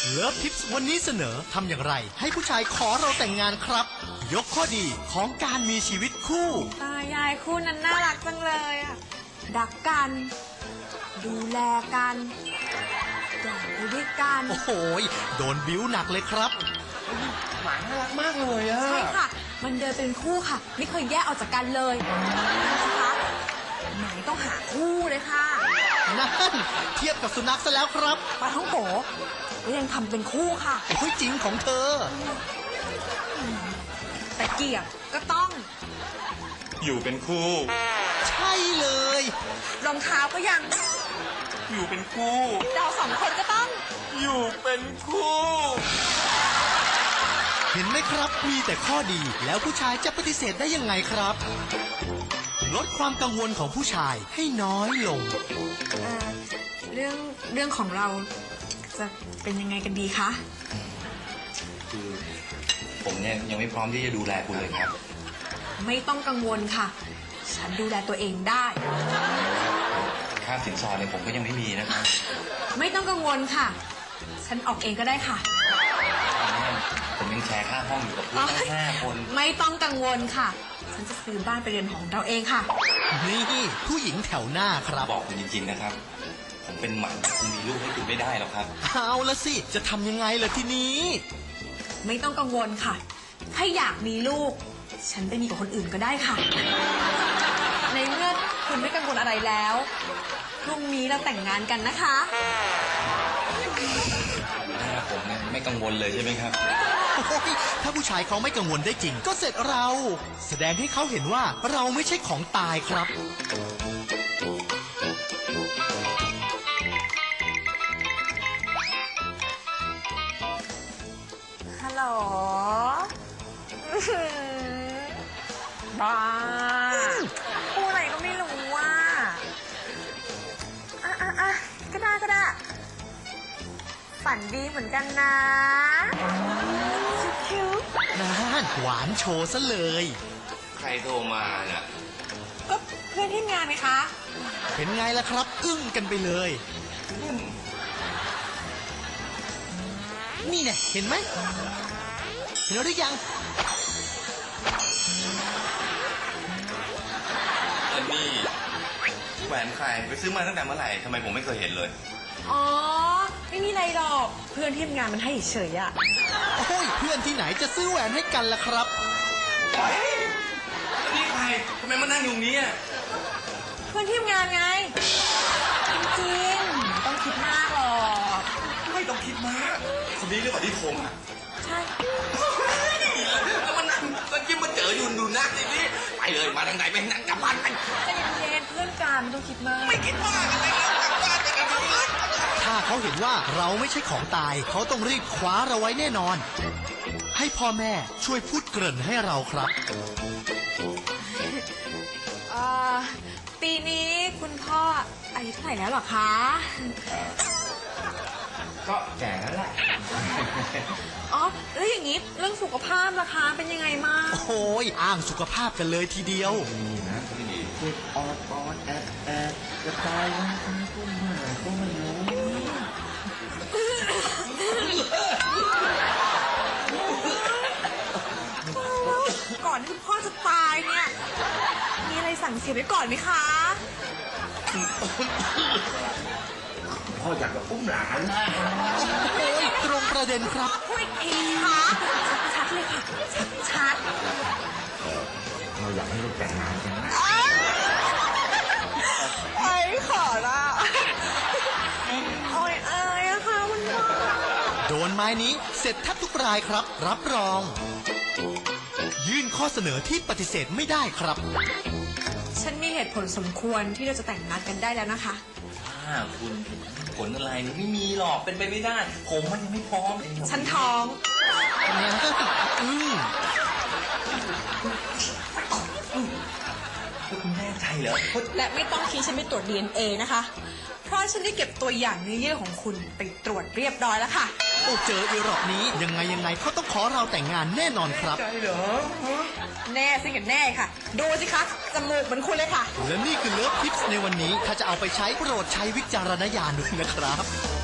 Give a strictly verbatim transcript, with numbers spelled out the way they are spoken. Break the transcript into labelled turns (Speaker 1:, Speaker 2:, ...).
Speaker 1: เลิฟทิปส์วันนี้เสนอทำอย่างไรให้ผู้ชายขอเราแต่งงานครับยกข้อดีของการมีชีวิตคู่
Speaker 2: ตายายคู่นั้นน่ารักจังเลยอ่ะรักกันดูแลกันแก่ไปด้วยกัน
Speaker 1: โอ้โหโดนบิ้วหนักเลยครับ
Speaker 3: หมาน่ารักมากเลยอะ
Speaker 2: ใช่ค่ะมันเดินเป็นคู่ค่ะไม่เคยแยกออกจากกันเลยนะคะหมายต้องหาคู่เลยค่ะ
Speaker 1: นั่นเทียบกับสุนัขซะแล้วครับ
Speaker 2: ปลาท่องโกก็ยังทำเป็นคู่ค่ะ
Speaker 1: โอ้ยจริงของเธอ
Speaker 2: แต่เกียบก็ต้อง
Speaker 3: อยู่เป็นคู่
Speaker 1: ใช่เลย
Speaker 2: รองเท้าก็ยัง
Speaker 3: อยู่เป็นคู่
Speaker 2: เราสองคนก็ต้อง
Speaker 3: อยู่เป็นคู่
Speaker 1: เห็นไหมครับมีแต่ข้อดีแล้วผู้ชายจะปฏิเสธได้ยังไงครับลดความกังวลของผู้ชายให้น้อยลง
Speaker 2: เอ่อเรื่องเรื่องของเราจะเป็นยังไงกันดีคะ
Speaker 3: คือผมเนี่ยยังไม่พร้อมที่จะดูแลคุณเลยครับ
Speaker 2: ไม่ต้องกังวลค่ะฉันดูแลตัวเองได้
Speaker 3: ค่าสินสอดเนี่ยผมก็ยังไม่มีนะครับ
Speaker 2: ไม่ต้องกังวลค่ะฉันออกเองก็ได้ค่ะ
Speaker 3: ผมยังแชร์ค่าห้องอยู่กับเพื่อนตั้งห้าคน
Speaker 2: ไม่ต้องกังวลค่ะฉันจะซื้อบ้านไปเรียนของเราเองค่ะ
Speaker 1: นี่ผู้หญิงแถวหน้าครับ
Speaker 3: บอกคุณจริงๆนะครับผมเป็นหมันคุณมีลูกให้คุณไม่ได้หรอกครับ
Speaker 1: เอาละสิจะทำยังไงล่ะทีนี้
Speaker 2: ไม่ต้องกังวลค่ะถ้าอยากมีลูกฉันไปมีกับคนอื่นก็ได้ค่ะในเมื่อคุณไม่กังวลอะไรแล้วพรุ่งนี้เราแต่งงานกันนะคะ
Speaker 3: ผมเนี่ยไม่กังวลเลยใช่ไหมครับ
Speaker 1: ถ้าผู้ชายเขาไม่กังวลได้จริงก็เสร็จเราแสดงให้เขาเห็นว่าเราไม่ใช่ของตายครับ
Speaker 2: ฮัลโหลบ้าพูดอะไรก็ไม่รู้ว่าอ่ะอ่ะอ่ะก็ได้ก็ได้ฝันดีเหมือนกันนะคิ้วๆ
Speaker 1: นั่นหวานโชว์ซะเลย
Speaker 3: ใครโทรมาน่ะ
Speaker 2: ก็เพื่อนที่งานไหมคะ
Speaker 1: เป็นไงล่ะครับอึ้งกันไปเลยนี่เนี่ยเห็นไหมเห็นหรือยัง
Speaker 3: อันนี้แหวนใครไปซื้อมาตั้งแต่เมื่อไหร่ทำไมผมไม่เคยเห็นเลย
Speaker 2: อ๋อไม่มีอะไรหรอกเพื่อนที่ทำงานมันให้เฉยอะ
Speaker 1: โอ้ยเพื่อนที่ไหนจะซื้อแหวนให้กันล่ะครับ
Speaker 3: นี่ใครทำไมมานั่งอยู่นี้
Speaker 2: เพื่อนที่ทำงานไงจริงๆต้องคิดมากหรอก
Speaker 3: ไม่ต้องคิดมากคนนี้เรื่องที่โทรมา
Speaker 2: ใช่
Speaker 3: แล้วมันนั่งตอนกี้มาเจออยู่ดูหน้าสิพี่ไปเลยมาทางไหนไปนั่งกลับบ้านไป
Speaker 2: ใจเย็นๆเพื่อนกันไม่ต้องคิดมาก
Speaker 3: ไม่คิดมากอะไรแล้วกลับบ้านไปกันเลย
Speaker 1: ถ้าเขาเห็นว่าเราไม่ใช่ของตายเขาต้องรีบคว้าเราไว้แน่นอนให้พ่อแม่ช่วยพูดเกริ่นให้เราครับ
Speaker 2: ปีนี้คุณพ่ออายุเท่าไหร่แล้วหรอคะ
Speaker 3: ก็แก่แล้วแหละ
Speaker 2: อ๋อแล้วอย่างนี้เรื่องสุขภาพล่ะคะเป็นยังไงบ้าง
Speaker 1: โอ้ยอ้างสุขภาพกันเลยทีเดียว
Speaker 3: นี่นะที่ดีเจ็บออดออดแอดแอดจะตายวันนี้ก็ไม่ก็ไม่รู้
Speaker 2: ก่อนที่พ่อจะตายเนี่ยมีอะไรสั่งเสียไว้ก่อนไหมคะ
Speaker 3: พ่ออยากจะอุ้มหลานนะ
Speaker 1: โอ้ยตรงประเด็นครับ
Speaker 2: พูดอีกทีค่ะชัดๆเลยค่ะชัด
Speaker 3: ๆเราอยากให้ลูกแต่งงานกันนะ
Speaker 2: ไอ้ขอละโอ้ยเอ้ยอะค่ะคุณพ่อ
Speaker 1: โดนไม้นี้เสร็จแทบทุกรายครับรับรองยื่นข้อเสนอที่ปฏิเสธไม่ได้ครับ
Speaker 2: ฉันมีเหตุผลสมควรที่เราจะแต่งงานกันได้แล้วนะคะ
Speaker 3: ถ้าคุณผลอะไรไม่มีหรอกเป็นไปไม่ได้ผมมันยังไม่พร้อม
Speaker 2: ฉันท้อง
Speaker 1: เนี่ยอืม
Speaker 3: คุณแน่ใจเหรอ
Speaker 2: และไม่ต้องคิดฉันไปตรวจ ดี เอ็น เอ นะคะเพราะฉันได้เก็บตัวอย่างเนื้อเยื่อของคุณไปตรวจเรียบร้อยแล้วค่ะ
Speaker 1: โอ้เจออีรอบนี้ยังไงยังไงเขาต้องขอเราแต่งงานแน่นอนครับ
Speaker 3: ใช่เหรอ
Speaker 2: แน่สิกันแน่ค่ะดูสิคะจมูกเหมือนคุณเลยค่ะ
Speaker 1: และนี่คือเลิฟทิปส์ในวันนี้ถ้าจะเอาไปใช้โปรดใช้วิจารณญาณด้วยนะครับ